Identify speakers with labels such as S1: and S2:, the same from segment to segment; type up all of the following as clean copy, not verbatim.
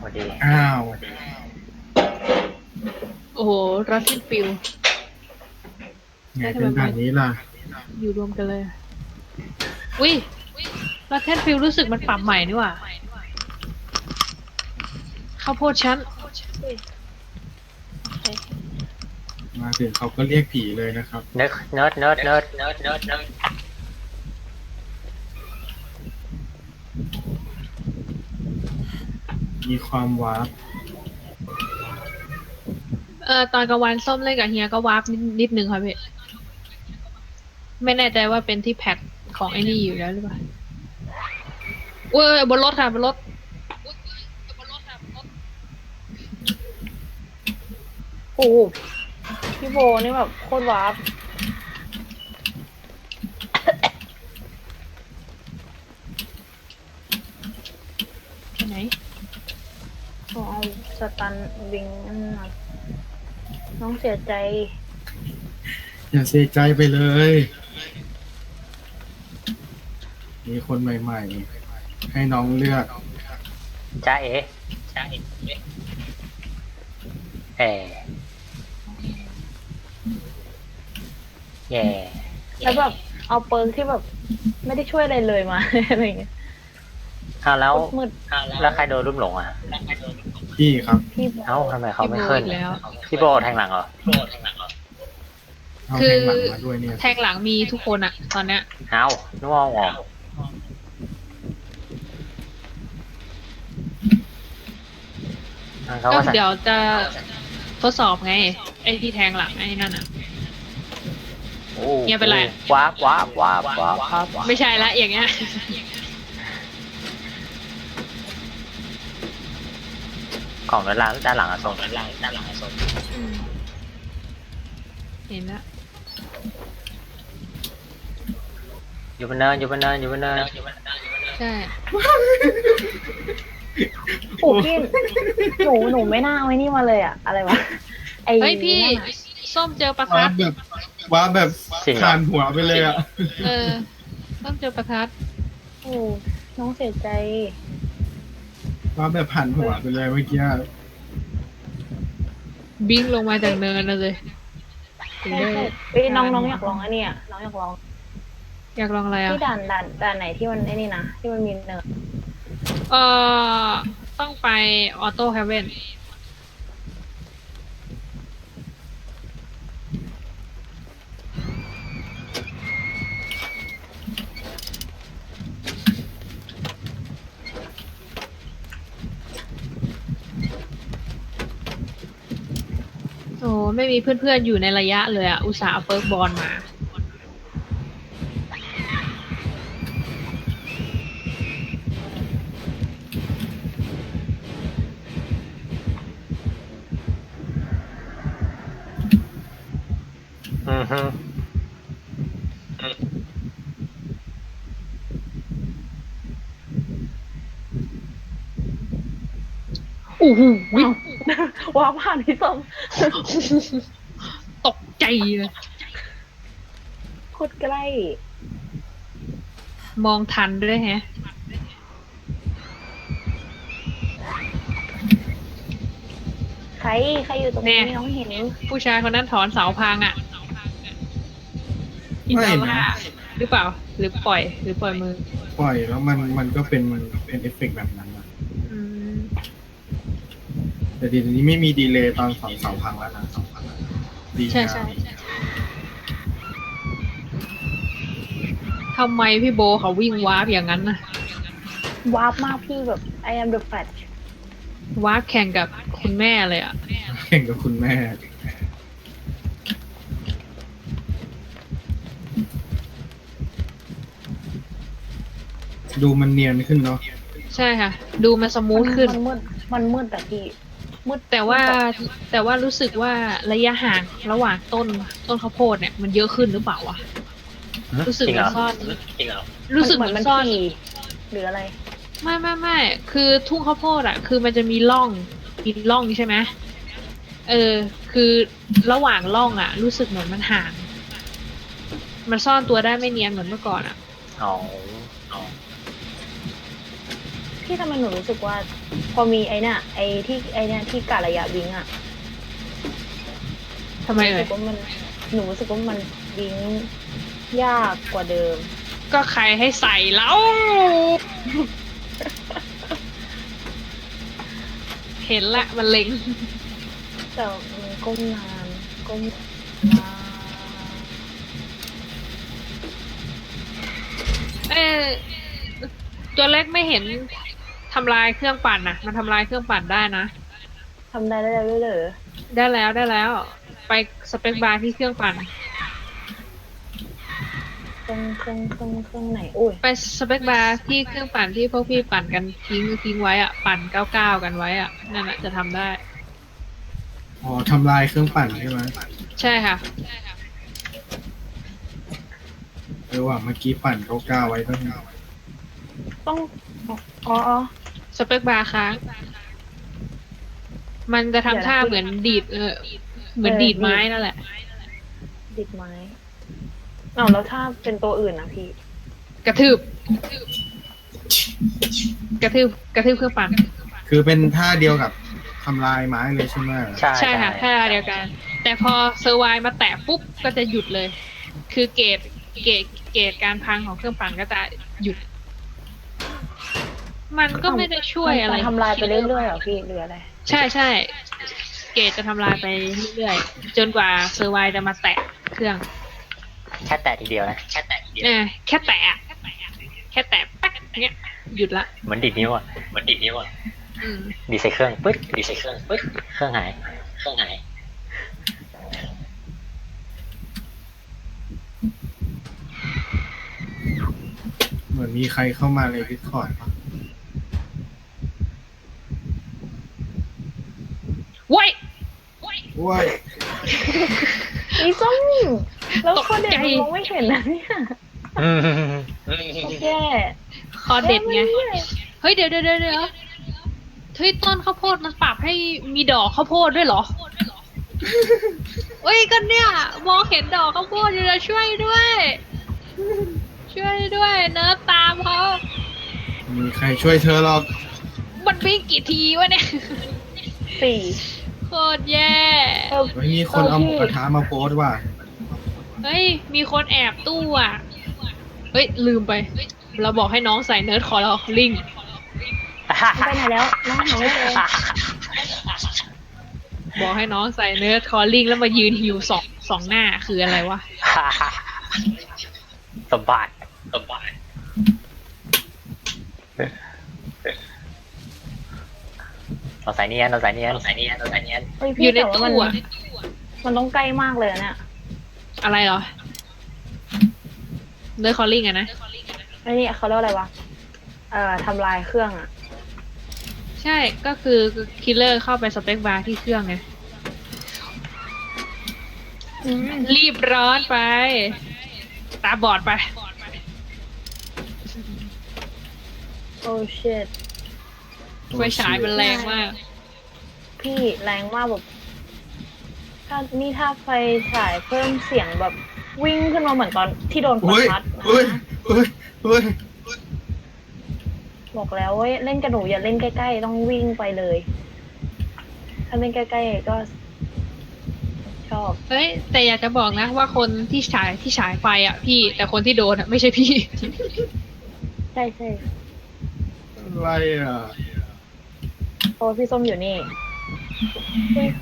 S1: วัสดี
S2: อ้าว
S3: โอ้โหรัสซินฟิล
S2: ไงเป็นแบบนี้ล่ะ
S3: อยู่รวมกันเลยอุ้ยรัสเซนฟิลรู้สึกมันปรับใหม่นี่หว่าข้าวโพดชั้น
S2: มาถึงเขาก็เรียกผีเลยนะครับ
S1: เนิร์ด
S2: มีความวาร์ป
S3: ตอนกลางวันส้มเล่นกับเฮียก็วาร์ปนิดนึงค่ะพี่ไม่แน่ใจว่าเป็นที่แพทของไอ้นี่อยู่แล้วหรือเปล่าเว้ยบนรถค่ะบนรถ
S4: โอ้โหพี่โบนี่แบบโคตรวาร์ป
S3: ที่ไหน
S4: ต้องเอาสตันวิงนั่นมาน้องเสียใจ
S2: อย่าเสียใจไปเลย มีคนใหม่ๆ ให้น้องเลือก
S1: จ้าเอ๋แย่แย่
S4: แล้วแบบเอาเปิร์กที่แบบไม่ได้ช่วยอะไรเลยมา อะไรอย่างเงี้ย
S1: เอาแล้ว
S4: โคตรมืด
S1: แล้วใครโดนลุ่มหลงอ่ะ
S2: พี่ครับ
S4: พี่
S1: เอ้าทำไมเขา
S3: พี่
S1: ไม่
S3: โบ
S1: ขึ้น
S3: อีกแล้ว
S1: พี่โบแทงหลังเหรอ
S2: เอา
S3: คือ
S2: แทงหลังมาด้วยเนี่ย
S3: แทงหลังมีทุกคนอะตอนเนี้ย
S1: เอ้านึกว่าเอาออกเขา
S3: ก็
S1: ก็สั่ง
S3: เดี๋ยวจะทดสอบไง ไอ้ที่แทงหลังไอ้นั่นอะ
S1: โอ้
S3: เงียบไปเลย
S1: ว้าบ
S3: ไม่ใช่ละอย่างเงี้ย
S1: ของด้านหลังอะส่ง
S3: เห็นแล้ว
S1: อยู่บนเนิน
S3: ใช่
S4: โอ้พี่หนูไม่น่าเอาไอ้นี่มาเลยอะอะไรวะไอ้
S3: เฮ้ยพี่
S4: นั่นอะ
S3: ส้มเจอประ
S2: ว้า
S3: ทั
S2: ร์
S3: ด
S2: ปแบบว้าร์ปแบบคานหัวไปเลยอ่ะ
S3: เออส้มเจอประทัด
S4: โอ้น้องเสียใจ
S2: ว้าร์ปแบบหันหัวไปเลยเมื่อกี้
S3: บิงลงมาจากเนินนะเลยถึง
S4: ใช่
S3: ได้
S4: ใช่เอ้ยน้องอยากลองอันเนี้ยน้องอยากลอง
S3: อยากลองอะไรอ่ะ
S4: ที่ด่านไหนที่มันไอ้นี่นะที่มันมีเนิร์ด
S3: เออต้องไปออโต้เฮเว่นโอ้ไม่มีเพื่อนๆอยู่ในระยะเลยอ่ะ อุตส่าห์เอาเปิร์กบอลมา
S1: อือฮึ
S3: โอ้โห
S4: ว้าวผ่านพี่ส้ม
S3: ตกใจเลย
S4: โคตรใกล้
S3: มองทันด้วยแฮะ
S4: ใครอยู่ตรงนี้น้องเห็น
S3: ผู้ชายคนนั้นถอนเสาพังอ่ะ
S2: ไม่
S3: อิน
S2: นะ
S3: ดาหรือเปล่า หรือปล่อยมือ
S2: ปล่อยแล้วมันก็เป็นเอฟเฟกต์แบบนั้นอะ
S3: อืม
S2: แต่ทีนี้ไม่มีดีเลย์ตอนเสาพังแล้วนะดี
S3: ใช่
S2: งาม
S3: ใช่ทำไมพี่โบเขาวิ่งวาร์ปอย่างนั้นนะ
S4: วาร์ปมากพี่แบบ I am the Flash
S3: วาร์ปแข่งกับคุณแม่เลยอ่ะ
S2: แข่งกับคุณแม่ ดูมันเนียนขึ้นเนาะ
S3: ใช่ค่ะ ดูมันสมูทขึ้น
S4: มันมืดแต่พี่มืด
S3: แต่ว่ารู้สึกว่าระยะห่างระหว่างต้นข้าวโพดเนี่ยมันเยอะขึ้นหรือเปล่าวะ รู้สึก
S1: จริงเหร
S3: มั
S1: อน
S3: ซ่อน
S1: จริงเหรอ
S3: รู้สึกเหมือนซ่อน
S4: ถี่หรืออะไร
S3: ไม่คือทุ่งข้าวโพดอ่ะ คือมันจะมีร่องใช่ไหมคือระหว่างร่องอ่ะ รู้สึกเหมือนมันห่าง มันซ่อนตัวได้ไม่เนียนเหมือนเมื่อก่อนอ่ะ
S1: อ๋อ
S4: พี่ทำไมหนูรู้สึกว่า พอมีไอ้เนี่ยที่กะระยะวิ่งอะ
S3: ทำไม
S4: รู้
S3: เอ่
S4: สึ
S3: ย
S4: กว่ามันหนูรู้สึกว่ามันวิ่งยากกว่าเดิม
S3: ก็ใครให้ใส่แล้ว เห็นละมันเล็ง
S4: แต่มันก้มนานก้มนาน
S3: เออตัวเล็กไม่เห็นทำลายเครื่องปั่นนะมันทำลายเครื่องปั่นได้นะ
S4: ทำได้แล้วด้วยเหรอ
S3: ได้แล้ว ไปสเปคบาร์ที่เครื่องปั่น
S4: เครื่องไหนอุ้ย
S3: ไปสเปคบาร์ที่เครื่องปั่นที่พวกพี่ปั่นกันทิ้งไว้อะปั่น99กันไว้อะนั่นแหละจะทำได้
S2: อ๋อทำลายเครื่องปั่นใช่ไหม
S3: ใช่ค่ะ
S2: ว่าเมื่อกี้ปั่นเก้าไว้ต้อง
S4: ต้องอ๋อ
S3: สเปคบาร์ค้าง มันจะทำท่าเหมือนดีดเหมือนดีดไม้นั่นแหละ
S4: ดิดไม้อ้าวแล้วถ้าเป็นตัวอื่นนะพี่
S3: กระทืบเครื่องปั่น
S2: คือเป็นท่าเดียวกับทำลายไม้เลยใช่ไหม
S3: ใช่ค่ะท่าเดียวกัน แต่พอเซอร์ไวมาแตะปุ๊บก็จะหยุดเลย คือเกรดการพังของเครื่องปั่นก็จะหยุด มันก็ไม่ได้ช่วยอะไร
S4: มันทำลายไปเรื่อยๆเหรอพี่หรืออะไร
S3: ใช่เกรดจะทำลายไปเรื่อยๆจนกว่าเซอร์ไวจะมาแตะเครื่อง
S1: แค่แตะทีเดียวนะแค่แตะทีเดียว
S3: แค่แตะแป๊กเงี้ยหยุดละ
S1: เหมือนดิดนิ้วอ่ะ
S3: อืม
S1: ดีใส่เครื่องปึ๊ดเครื่องหาย
S2: เหมือนมีใครเข้ามาในดิสคอร์ดปะ
S3: ไว้
S2: ว้าย
S4: อีส้มแล้ว
S3: ตก
S4: คนเด็ก
S3: ใจ
S4: มันมองไม่เห็นนะเนี่ย
S1: อืม
S4: แย่
S3: คอเด็ดไง
S4: แย่
S3: เฮ้ยเดี๋ยวเฮ้ยต้นข้าวโพดมันปรับให้มีดอกข้าวโพดด้วยเหรอ เฮ้ยก็เนี่ยมองเห็นดอกข้าวโพดอยู่แล้วช่วยด้วยเนิร์ดตามเขา
S2: มีใครช่วยเธอหรอก
S3: มันวิ่งกี่ทีวะเนี่ย
S4: สี่
S3: โคตรแย่
S2: ไม่มีคนเอาหมูกระทะมาโพสต์ว่ะ
S3: เฮ้ยมีคนแอบตู้อ่ะเฮ้ยลืมไป เราบอกให้น้องใส่เนิร์ดคอร์ลิง
S4: มันไปไหนแล้วน้องหาไม่เจอ
S3: บอกให้น้องใส่เนิร์ดคอร์ลิงแล้วมายืนหิวสองหน้าคืออะไรวะ
S1: สบายเราใส่เนียน
S4: เฮ้ย
S3: อ
S4: พี่
S3: ยู่ใน
S4: แต่ว่า
S3: ตู้อ่ะ
S4: มันต้องใกล้มากเลยอะเนี่ย
S3: อะไรเหรอเนิร์ดคอร์ลิงอะนะ
S4: ไอ้นี่เขาเรียกว่าอะไรวะทำลายเครื่องอะ
S3: ใช่ก็คือคิลเลอร์เข้าไปสเปคบาร์ที่เครื่องไงรีบร้อนไป ตาบอดไป
S4: โอ้ชิต
S3: ไฟฉายมันแรงมาก
S4: พี่แรงมากแบบถ้าไฟฉายเพิ่มเสียงแบบวิ่งขึ้นมาเหมือนตอนที่โดนประ
S2: เฮ้ย
S4: ทัด
S2: เฮ้ยเฮ้ยเฮ้ย
S4: บอกแล้วเว้ยเล่นกับหนูอย่าเล่นใกล้ๆต้องวิ่งไปเลย ถ้าเล่นใกล้ๆก็ชอบ
S3: เฮ้ยแต่อยากจะบอกนะว่าคนที่ฉายไฟอ่ะพี่แต่คนที่โดนอ่ะไม่ใช่พี่
S4: ใช่
S2: อะไรอ่ะ
S4: เพราะว่าพี่ส้มอยู่นี่เฮ้ย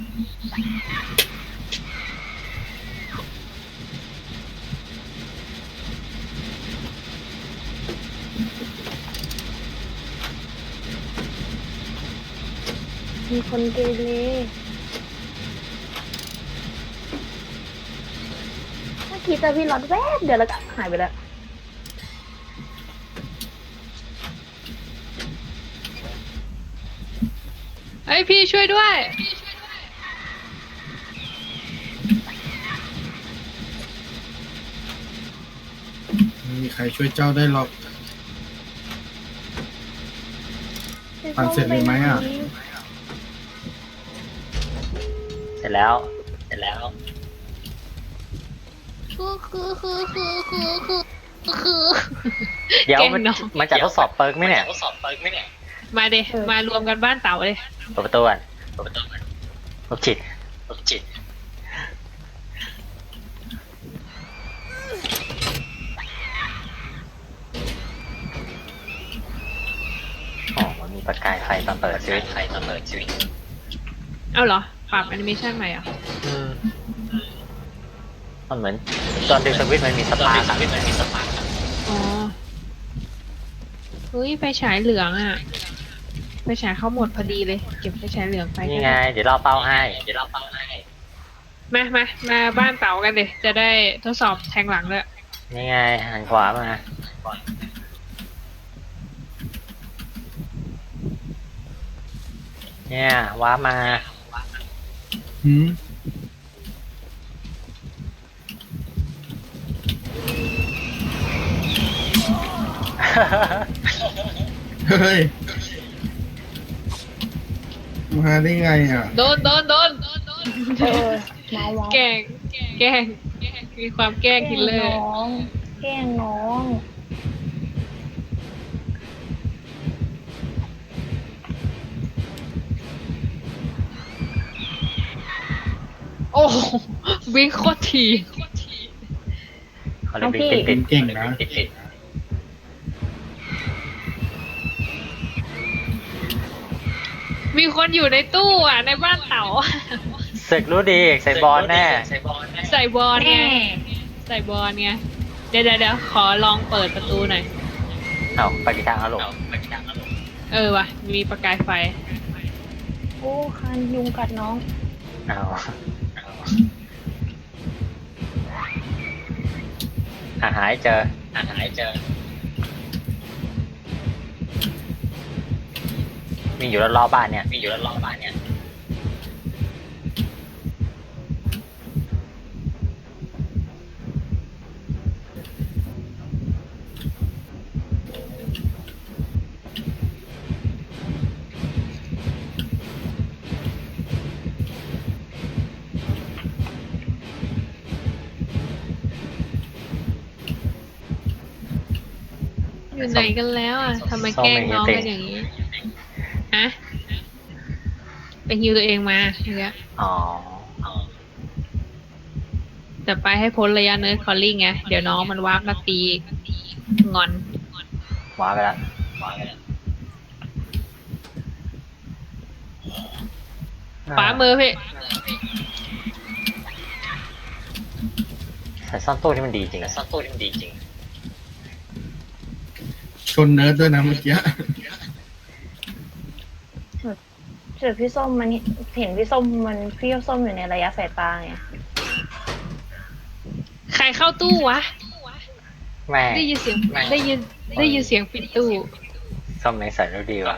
S4: มีคนเกเรเมื่อกี้เจอพี่รถแวบเดี๋ยวแล้วก็หายไปแล้ว
S3: เฮ้ยพี่ช่วยด้วย
S2: ไม่มีใครช่วยเจ้าได้หรอก ปั่นเสร็จเลยไหมอะ
S1: เสร็จแล้ว
S3: คือคือ
S1: เดี๋ยว
S3: แกล้ง
S1: มัน
S3: น้อง
S1: มันจะทดสอบเปิร์กไหมเนี่ย
S3: มาเดมารวมกันบ้านเต๋าเลย
S1: เปิดประตูก่อนลบจิตอ๋อมันมีประกายไฟตอนเปิดชีวิต
S3: เอาเหรอ ปรับแอนิเมชันใหม่เหรอ่ะ
S1: อืมมันเหมือนตอนดึงสวิตช์มันมีสปาร์คอะ
S3: อ๋อ เฮ้ยไฟฉายเหลืองอ่ะไฟฉายเข้าหมดพอดีเลย เก็บไฟฉายเหลืองไป
S1: นี่ไง เดี๋ยวเราเป้าให้
S3: มาบ้านเต๋ากันเลยจะได้ทดสอบแทงหลังเลย
S1: นี่ไงหันขวามา เนี่ยว้าร์ปมา
S2: หืมเฮ้ย มาได้ไงอ่ะ
S3: โดน
S4: เออมาวะ
S3: แกล้งมีความแกล้งคิลเลอร์
S4: แกล้งน้อง
S3: โอ้โหวิ่งโคตรที
S1: เขาเรียกวิ่งติด
S2: เก่งนะ
S3: มีคนอยู่ในตู้อ่ะ ในบ้านเต๋า
S1: ศึกรู้ดีใส่บอลแน่
S3: ใส่บอลไง
S4: แน่
S3: ใส่บอลไงเดี๋ยวขอลองเปิดประตูหน่อย
S1: เอ้าไปกี่ทางเอาลง
S3: ว่ะ มีประกายไฟ
S4: โอ้คันยุงกัดน้อง
S1: เอาหายเจอ มีอยู่รอบๆบ้านเนี่ย
S3: อยู่ไหนกันแล้วอ่ะทำไมแกล้งน้องกันอย่างนี้ฮะไปฮิวตัวเองมาอย่างเงี้ย
S1: อ๋อ
S3: แต่ไปให้พ้นระยะเนิร์ดคอลลิ่งไง เดี๋ยวน้องมันวาร์ปมาตีงอน
S1: ว้าไปแล้ว
S3: ขวามือพี่
S1: ใส่ซ่อนตู้ที่มันดีจริงอะ
S2: ชนเนิร์ดด้วยนะเมื่อกี้
S4: เจอพี่ส้มมันเห็นพี่ส้มอยู่ในระยะสายตาไง
S3: ใครเข้าตู้วะ
S1: แม่
S3: ได้ยินเสียงปิดตู้
S1: ซ่อมในใส่รู้ดีว่ะ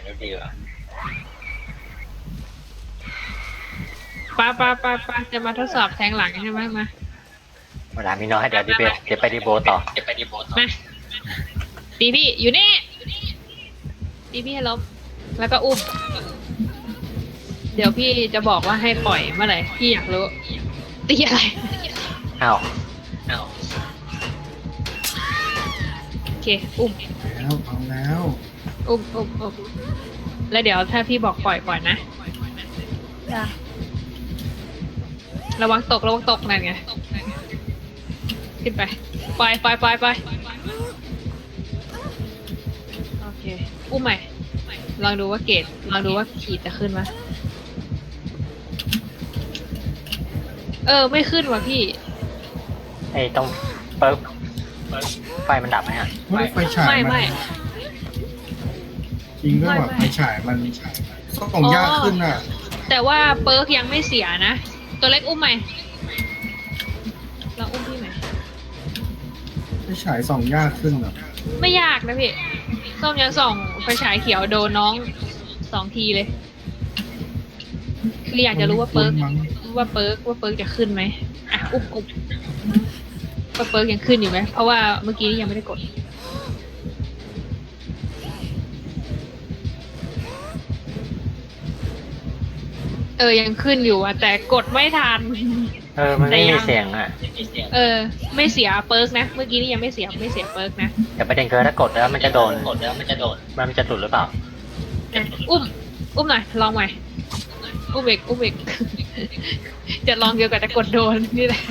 S3: ปาจะมาทดสอบแทงหลังใช่ไหมมา
S1: เวลามีน้อยเดี๋ยวไปดีโบต่อ
S3: มาตีพี่อยู่นี่ตีพี่ให้ล้มแล้วก็อุ้ม เดี๋ยวพี่จะบอกว่าให้ปล่อยเมื่อไหร่พี่อยากรู้ตีอะไร
S1: อ้าว
S3: โอเคอุ้ม
S2: เอาแล้ว
S3: อุ้มแล้วเดี๋ยวถ้าพี่บอกปล่อยนะ
S4: จ้ะ
S3: ระวังตกนั่นไงขึ้นไปปล่อยโอเคอุ้มใหม่ลองดูว่าขีดจะขึ้นไหมไม่ขึ้นว่ะพี่
S1: ไอ้ต้องเปิร์กไฟมันดับไหมฮะ
S2: เฮ้ยไฟฉาย
S3: ไม่
S2: จริงก็แบบไฟฉายมันส่องยากขึ้นอ่ะ
S3: แต่ว่าเปิร์กยังไม่เสียนะ ตัวเล็กอุ้มใหม่ลองอุ้มพี่ใหม่
S2: ไฟฉายส่องยากขึ้นอ่ะ
S3: ไม่ยากนะพี่ส้มยังส่องไฟฉายเขียวโดนน้อง2 ทีเลยคืออยากจะรู้ว่าเปิร์กจะขึ้นไหมอ่ะอุ้มว่าเปิร์กยังขึ้นอยู่ไหมเพราะว่าเมื่อกี้ยังไม่ได้กดยังขึ้นอยู่อะแต่กดไม่ทัน
S1: มันไม่มีเสียงอ่ะ
S3: ไม่เสียเปิร์กนะ เมื่อกี้นี่ยังไม่เสียเปิร์กนะ
S1: แต่ประเด็นคือถ้ากดแล้วมันจะโดนมันจะหลุดหรือเปล่า
S3: อุ้มหน่อยลองใหม่อุ้มอีก จะลองเดียวกับจะกดโดนนี่แหละ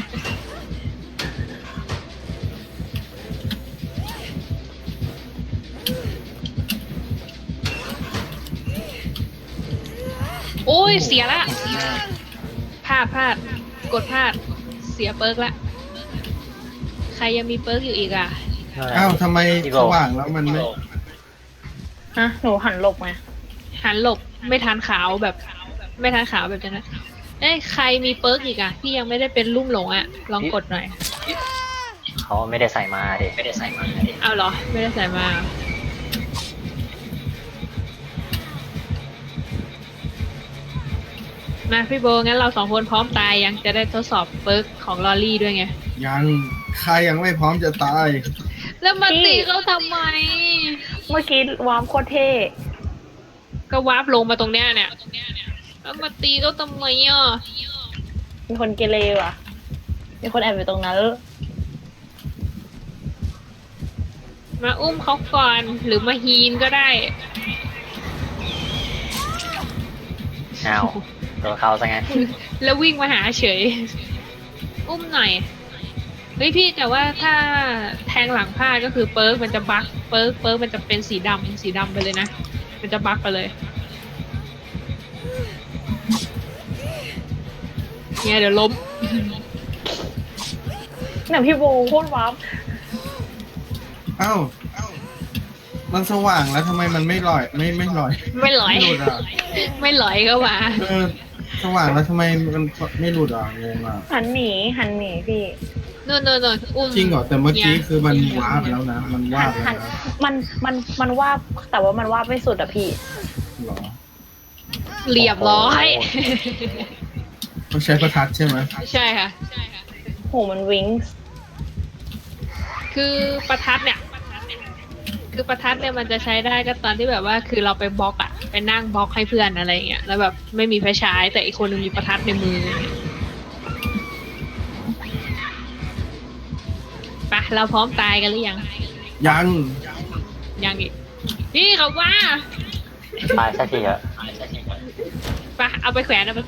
S3: โอ้ยเสียละพลาดกดพลาดเสียเปิร์กละใครยังมีเปิร์กอยู่อีกอ่ะ
S2: อ้าวทำไมสว่างแล้วมันไม่
S4: ฮะ หนูหันหลบไง
S3: หันหลบไม่ทันขาวแบบนั้นใครมีเปิร์กอีกอ่ะพี่ยังไม่ได้เป็นลุ่มหลงอ่ะลองกดหน่อย
S1: เขาไม่ได้ใส่มาดิ
S3: เอาเหรอไม่ได้ใส่มามาพี่โบงั้นเรา2 คนพร้อมตายยังจะได้ทดสอบเปิร์กของลอรี่ด้วยไง
S2: ยังใครยังไม่พร้อมจะตาย
S3: แล้วมาตีเขาทำไม
S4: เมื่อกี้วามโคตรเท่
S3: ก็วาร์ปลงมาตรงเนี้ยเนี่ยแล้วมาตีเขาทำไมอ่ะ
S4: มีคนเกเรว่ะ มีคนแอบอยู่ตรงนั้น
S3: มาอุ้มเขาก่อนหรือมาฮีนก็ได้
S1: อ้าวตัวเขาซะงั้น
S3: แล้ววิ่งมาหาเฉย อุ้มหน่อยเฮ้ยพี่แต่ว่าถ้าแทงหลังพลาดก็คือเปิร์กมันจะบั๊กเปิร์กมันจะเป็นสีดำไปเลยนะมันจะบั๊กไปเลยเนี่ยเดี๋ยวล้ม
S4: เนี่ยพี่โบโคตรวาม
S2: อ้าวมันสว่างแล้วทำไมมันไม่ลอยไม่ลอย
S3: ไม่หลอย
S2: ไม่หลุดอ่ะ
S3: ไม่หลอยก็มา
S2: สว่างแล้วทำไมมันไม่หลุดอ่ะงงอ่ะ
S4: หันหนีพี่
S3: นู่นอุ้ม
S2: จริงเหรอแต่เมื่อกี้คือมันวาบแล้วนะมันวาบแล้ว
S4: หัน
S2: นะ
S4: มันว่าบแต่ว่ามันว่าบไม่สุดอะพี่
S2: เหรอ
S3: เรียบร้อย
S2: ต้องใช้ประทัดใช่ไหม
S3: ใช่ค่ะ
S4: โหมันวิงส์
S3: คือประทัดเนี่ยมันจะใช้ได้ก็ตอนที่แบบว่าคือเราไปบล็อกอะไปนั่งบล็อกให้เพื่อนอะไรอย่างเงี้ยแล้วแบบไม่มีไฟฉายแต่อีกคนนึงมีประทัดในมือไปเราพร้อมตายกันหรือยัง
S2: ยัง
S3: อีกนี่เขาว่า
S1: ตายสักทีเถอะ
S3: ไปเอาไปแขวนเอา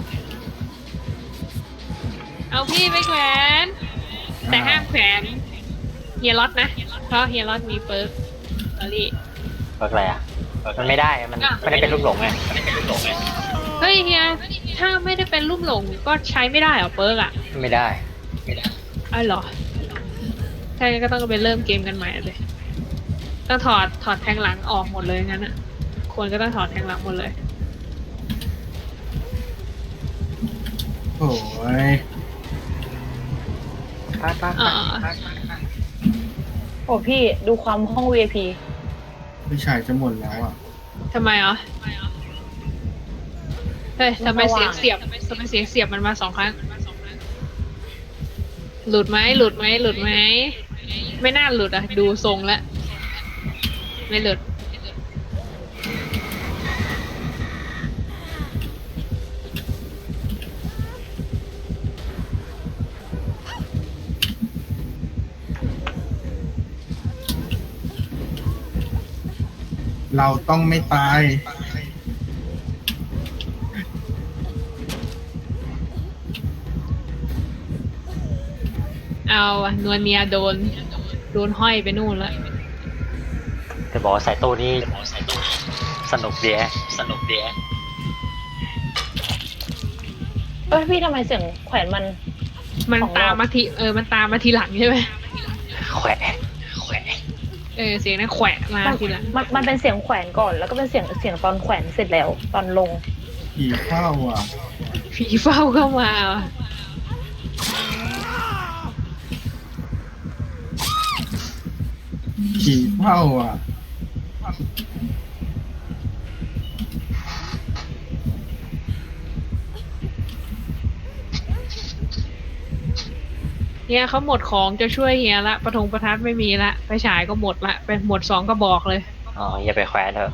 S3: พี่ไปแขวนแต่ห้ามแขวนเฮียล็อตนะเพราะเฮียล็อตมีเปิร์กลอรี่
S1: เปิดอะไรอ่ะมันไม่ได้มันไม่ได้เป็นลูกหลงไง
S3: เฮ้ยเฮียถ้าไม่ได้เป็นรูปหลงก็ใช้ไม่ได้เหรอเปิร์กอะ
S1: ไม่ได้
S3: อ้าวเหรอใช่ก็ต้องไปเริ่มเกมกันใหม่เลยต้องถอดแทงหลังออกหมดเลยงั้นอะควรก็ต้องถอดแทงหลังหมดเลย
S2: โอ้ย
S3: อ่า
S4: โอ้พี่ดูความห้อง VIP
S2: ไม่ใช่จะหมดแล้วอ่ะ
S3: ทำไมอ่ะเฮ้ยทำไมเสียงเสียบมันมา2 ครั้งหลุดไหมไม่น่าหลุดอ่ะดูทรงแล้วไม่หลุด
S2: เราต้องไม่ตาย
S3: เอาอะนวลเนียโดนห้อยไปนู่นแล้ว
S1: จะบอกว่าใส่ตู้นี่สนุกดีฮะ
S4: เอ้ยพี่ทำไมเสียงแขวนมัน
S3: มัน
S4: 2 รอบ
S3: ตามมาทีมันตามมาทีหลังใช่ไหม
S1: แขวะ
S3: เสียงนั้นแขวะมาทีหลัง
S4: มันเป็นเสียงแขวนก่อน แล้วก็เป็นเสียงตอนแขวนเสร็จแล้วตอนลง
S2: ผีเข้าอ่ะ
S3: ผีเฝ้าเข้ามาว่ะ
S2: ผีเข้าอ่ะ
S3: เฮียเขาหมดของจะช่วยเฮียละประทัดไม่มีละไฟฉายก็หมดละเป็นหมด2 กระบอกเลย
S1: อ๋ออย่าไปแขวนเถอะ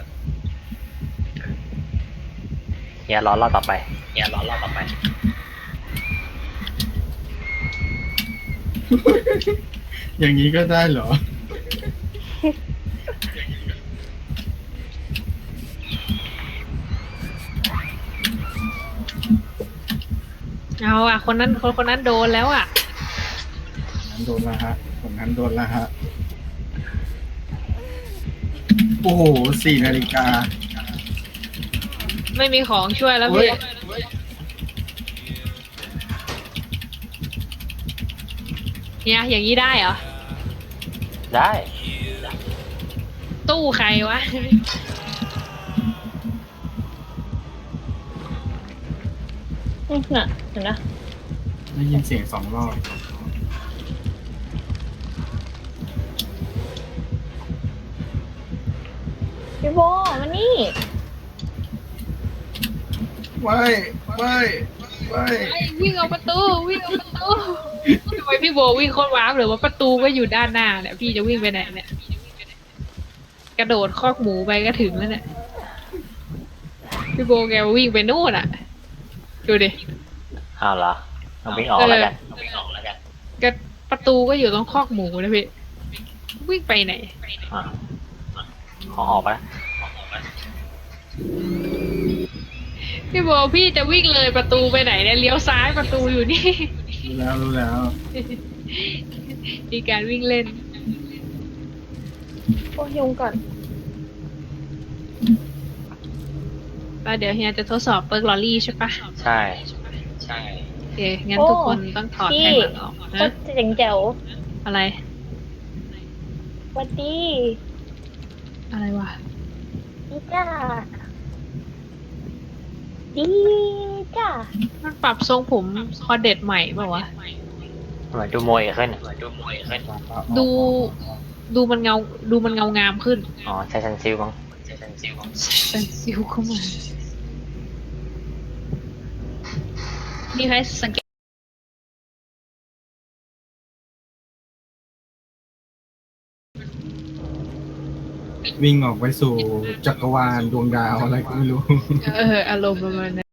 S1: อย่ารอรอบต่อไป
S2: อย่างนี้ก็ได้เหรอ
S3: เอาอ่ะคนนั้นคนนั้นโดนแล้วอ่ะ
S2: นั้นโดนละฮะผมนั้นโดนละฮะ โอ้โห4 นาฬิกา
S3: ไม่มีของช่วยแล้ว
S2: เฮ้ย
S3: พี่เนี่ยอย่างนี้ได้เหรอ
S1: ได้
S3: ตู้ใครวะ
S4: น่ะเห็นนะ
S2: ได้ยินเสียง2 รอบ
S4: พี่โบมานี่
S2: ไม่ไม่
S3: ไอ้วิ่งเอาประตูวิ่งเอาประตูทำไมพี่โบวิ่งโคตรว้าวหรือว่าประตูก็อยู่ด้านหน้าเนี่ยพี่จะวิ่งไปไหนเนี่ยกระโดดคอกหมูไปก็ถึงแล้วเนี่ยพี่โบแกวิ่งไปนู่นอ่ะดูดิ
S1: อ้าวเหรอเอาวิ่งออกแล้วกันเอาวิ่งออกแล้วกัน
S3: ก็ประตูก็อยู่ตรงคอกหมูนะพี่วิ่งไปไหน
S1: อ่ะขอออกไปแล้ว
S3: พี่โบพี่จะวิ่งเลยประตูไปไหนเนี่ยเลี้ยวซ้ายประตูอยู่นี่
S2: รู้แล้ว
S3: มีการวิ่งเล่น
S4: โอ้ยุงก่อน
S3: แล้วเดี๋ยวเฮียจะทดสอบเปิร์กลอรี่ใช่ปะ
S1: ใช่ใช่
S3: โอเคงั้นทุกคนต้องถอด
S4: พี่
S3: แท่งหลังออก
S4: โค
S3: นะ
S4: ตรเจ๋งแจ๋ว
S3: อะไร
S4: สวัสดี
S3: อะไรวะ
S4: ดีจ้าดีจ้า
S3: มันปรับทรงผมคอเด็ดใหม่เปล่าวะ
S1: เหมือนดูมวยขึ้นเหมือนดูมวยขึ้น
S3: ดูมันเงาดูมันเงางามขึ้น
S1: อ๋อใช้ซันซิลมั้งใช้ซันซิลมั้ง
S3: เป็นซิวเข้ามามีใครสังเกต
S2: วิ่งออกไปสู่จักรวาลดวงดาวอะไรก็ไม่รู้
S3: อารมณ์ประมาณนั้น